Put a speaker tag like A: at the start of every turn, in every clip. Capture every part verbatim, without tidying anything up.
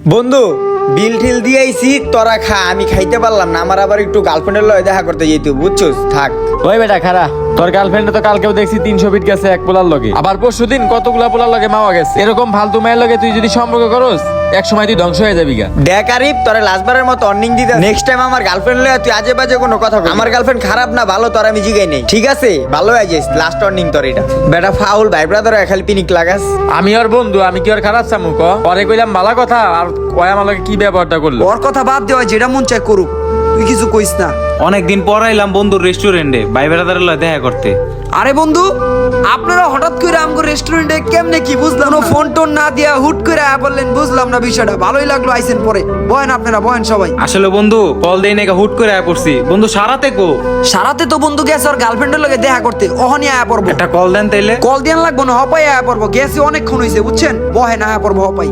A: বন্ধু বিল ঠিল দিয়েছি তোরা খা, আমি খাইতে পারলাম না। আমার আবার একটু গার্লফ্রেন্ডের লয় দেখা করতে যেতে বুঝছস। থাক
B: ওই বেটা খারা, তোর গার্লফ্রেন্ড তো কালকেও দেখছি তিনশো ফিট গেছে এক পোলার লগে, আবার পরশু দিন কতগুলা পোলার লগে মাওয়া গেছে। এরকম ফালতু মায়ের লগে তুই যদি সম্পর্ক করস এক সময় তুই ধ্বংস হয়ে যাবি গা।
A: দেখ আরিফ, তোরা লাস্টবারের মতো অর্নিং দিতে নেক্সট টাইম আমার গার্লফ্রেন্ড লয় তুই আজে বাজে কোনো কথা বল। আমার গার্লফ্রেন্ড খারাপ না ভালো তোর আমি জিগাই নেই, ঠিক আছে? ভালো হয়ে যাস, লাস্ট অর্নিং তোর এটা। বেটা ফাউল ভাই ব্রাদার খালি পিনিক লাগাস।
B: আমি ওর বন্ধু, আমি কি ওর খারাপ চামু ক? পরে কইলাম ভালো কথা, আর ওই আমার লগে কি ব্যবহারটা করলো।
C: ওর কথা বাদ দেওয়া, যেটা মন চায় করুক, তুই কিছু কইস না।
D: অনেকদিন পর আইলাম বন্ধুর রেস্টুরেন্টে ভাই বেড়াদারের লয় দেখা করতে।
C: আরে বন্ধু, আপনারা হঠাৎ করে আমগো রেস্টুরেন্টে কেমনে কি বুঝলাম না, ফোন টোন না দিয়া হুট করে আয়া বললেন, বুঝলাম না বিষয়টা। ভালোই লাগলো আইসেন পরে। বহেন আপনারা, বহেন সবাই।
D: আসলে বন্ধু কল দেই নাকি হুট করে আয়া পড়ছি। বন্ধু সারাতে কো?
C: সারাতে তো বন্ধু গেছে ওর গার্লফ্রেন্ডের লগে দেখা করতে, ওহনি আয়া পড়বো।
D: একটা কল দেন তাইলে।
C: কল দিয়ান লাগবো না, হপাই আয়া পড়বো। গেছে অনেকক্ষণ হইছে বুঝছেন, বহেন আয়া পড়বো হপাই।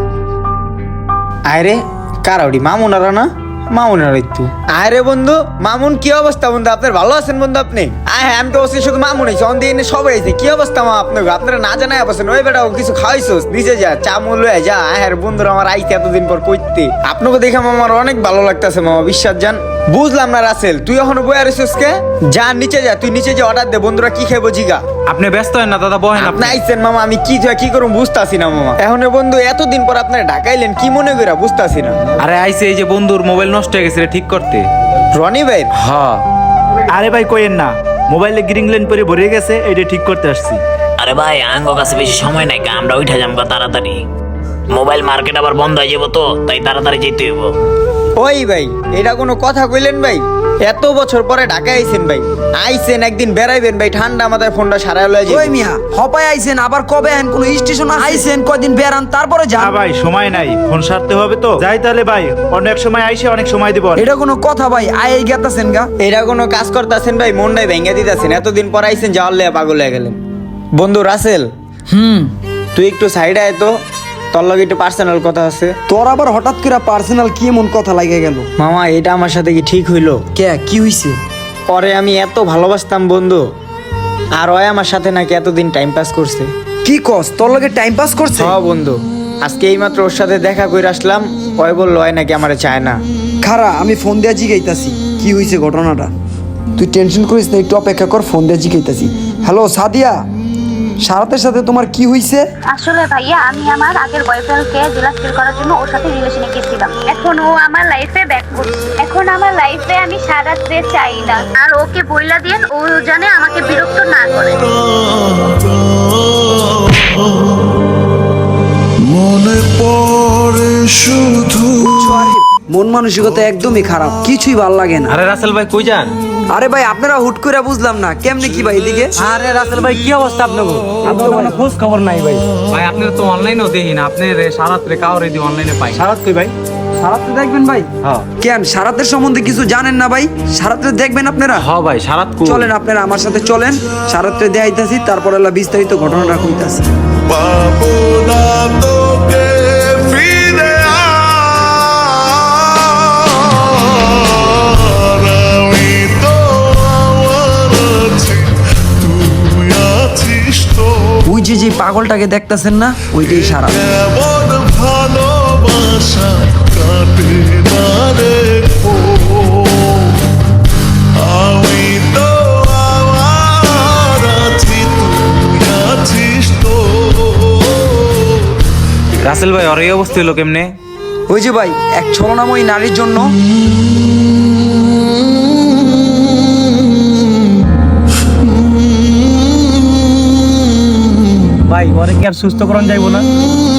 A: আরে কারাউডি মামুনারা না, মামুনার একটু আরে বন্ধু। মামুন কি অবস্থা বন্ধু আপনার? ভালো আছেন বন্ধু আপনি? আয় হ্যাঁ, আমি তো ওসি শুধু মামুন হয়েছে অন দিনে সবাই হয়েছে। কি অবস্থা মা আপনার? আপনারা না জানাই অবস্থা ওই বেটা কিছু খাওয়াইছোস নিচে যা, চা মূল হয়ে যা। হ্যাঁ বন্ধুরা আমার আইতে এতদিন পর কইতে আপনাকে দেখে আমার অনেক ভালো লাগতেছে মামা, বিশ্বাস যান। বুঝলাম না রাসেল, তুই এখনো বই আছিস কে? যা নিচে যা, তুই নিচে যা অর্ডার দে। বন্ধুরা কি খাইবো জিগা।
D: আপনি ব্যস্ত হন না দাদা, বহেন।
A: আপনি আইছেন মামা, আমি কি কি করুম বুঝতাছি না মামা। এখন বন্ধু এতদিন পর আপনারা ঢাকাইলেন কি মনে কইরা বুঝতাছি না।
D: আরে আইছে এই যে বন্ধুর মোবাইল নষ্ট হয়ে গেছে ঠিক করতে।
A: রনি ভাই?
D: হ্যাঁ।
E: আরে ভাই কইেন না, মোবাইলে গ্রিন লাইন পরে ভরে গেছে, এটা ঠিক করতে আসছি।
F: আরে ভাই আঙ্গ কাছে বেশি সময় নাই, আমরা উঠা যাবো তাড়াতাড়ি। মোবাইল মার্কেট আবার বন্ধ হয়ে যাবো তো, তাই তাড়াতাড়ি যেতে হইব।
A: ওই ভাই এটা কোনো কথা কইলেন ভাই? এত বছর পরে ঢাকা আইছেন ভাই, আইছেন একদিন বেড়াইবেন ভাই, ঠান্ডা মাথায় ফোনটা সারায় লয়ে
C: ওই
A: যাবেন।
C: মিয়া হপাই আইছেন, আবার কবে আইন? কোন স্টেশন আইছেন, কয়দিন বেড়ান তারপরে
E: না
C: যান।
E: ভাই সময় নাই, ফোন সারতে হবে তো। যাই তাহলে ভাই, অনেক সময় আইসে অনেক সময় দিব।
C: এটা কোনো কথা ভাই? আই গেতাছেন গা।
A: এটা কোনো কাজ করতেছেন ভাই? মনটাই ভেঙে দিতেছেন, এতদিন পর আইছেন যাওয়ার লেয়া পাগল হয়ে গেলেন। বন্ধু রাসেল,
C: হুম,
A: তুই একটু সাইডে আয় তো, তোর লগে একটু পার্সোনাল কথা আছে।
C: তোর আবার হঠাৎ করে পার্সোনাল কি এমন কথা লাগে গেল?
A: মামা এটা আমার সাথে কি ঠিক হইলো?
C: কে কি হইছে?
A: পরে আমি এত ভালোবাসতাম বন্ধু, আর ওই আমার সাথে নাকি এতদিন টাইম পাস করছে।
C: কি কস? তোর লগে টাইম পাস করছে?
A: হ্যাঁ বন্ধু, আজকে এইমাত্র ওর সাথে দেখা করে আসলাম। ওই বললো ওই নাকি আমারে চায় না।
C: খারা, আমি ফোন দিয়া জিগাইতাছি কি হইছে ঘটনাটা। তুই টেনশন করিস না, একটু অপেক্ষা কর, ফোন দিয়া জিগাইতাছি। হ্যালো সাদিয়া, সারাতের সাথে তোমার কি হইছে?
G: আসলে ভাইয়া আমি আমার আগের বয়ফ্রেন্ডকে জেলাস ফিল করার জন্য ওর সাথে রিলেশনে গেছিলাম। এখন ও আমার লাইফে ব্যাক করছে। এখন আমার লাইফে আমি সারাতে চাই না, আর ওকে বইলা দিয়েন ও জানে আমাকে বিরক্ত না করে।
H: মনে পড়ে শুধু
C: মন মানসিকতা একদমই খারাপ, কিছুই ভাল লাগে না।
D: আরে রাসেল ভাই কই যান?
C: আরে ভাই আপনারা হুট করে বুঝলাম না, কেমনে কি ভাই এদিকে?
D: আরে রাসেল ভাই কি অবস্থা আপনার?
E: আপনার কোনো খোঁজ খবর নাই ভাই।
D: ভাই আপনার তো অনলাইনেও দেখি না, আপনি সারাত্রে কাউরে দিয়ে অনলাইনে পাই।
E: সারাত কই ভাই?
C: সারাতে দেখবেন ভাই?
D: হ্যাঁ
C: কেন সারাতের সম্বন্ধে কিছু জানেন না ভাই? সারাতে দেখবেন আপনারা?
D: হ্যাঁ ভাই সারাত কো।
C: চলেন আপনারা আমার সাথে চলেন, সারাতে দেখাইতাছি, তারপর এলা বিস্তারিত ঘটনাটা কইতাছি।
H: পাবো না তোকে ফিরে আর আমি তো আমার আছি, তুই আছিস তো।
C: ওই যে যে পাগলটাকে দেখতাছেন না, ওইটাই সারা।
H: এমন ভালোবাসা কাটে না রে ও, আমি তো আমার আছি, তুই আছিস তো।
D: রাসেল ভাই ওর এই অবস্থা হলো কেমনে?
C: ওই যে ভাই এক ছলনাময়ী নারীর জন্য
E: ভাই ওরে কি আর সুস্থ করণ যাইবো না?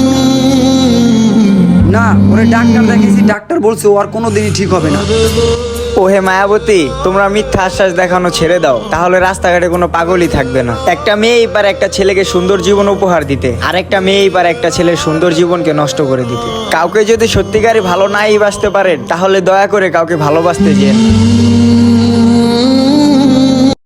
C: না, ওরে ডাক্তার দেখেছি, ডাক্তার বলছে ও আর কোনোদিনই ঠিক হবে না।
A: ও হে মায়াবতী, তোমরা মিথ্যা আশ্বাস দেখানো ছেড়ে দাও, তাহলে রাস্তাঘাটে কোনো পাগলই থাকবে না। একটা মেয়েই পারে একটা ছেলেকে সুন্দর জীবন উপহার দিতে, আর একটা মেয়েই পারে একটা ছেলের সুন্দর জীবনকে নষ্ট করে দিতে। কাউকে যদি সত্যিকারই ভালো নাই বাসতে পারেন, তাহলে দয়া করে কাউকে ভালোবাসতে যেন।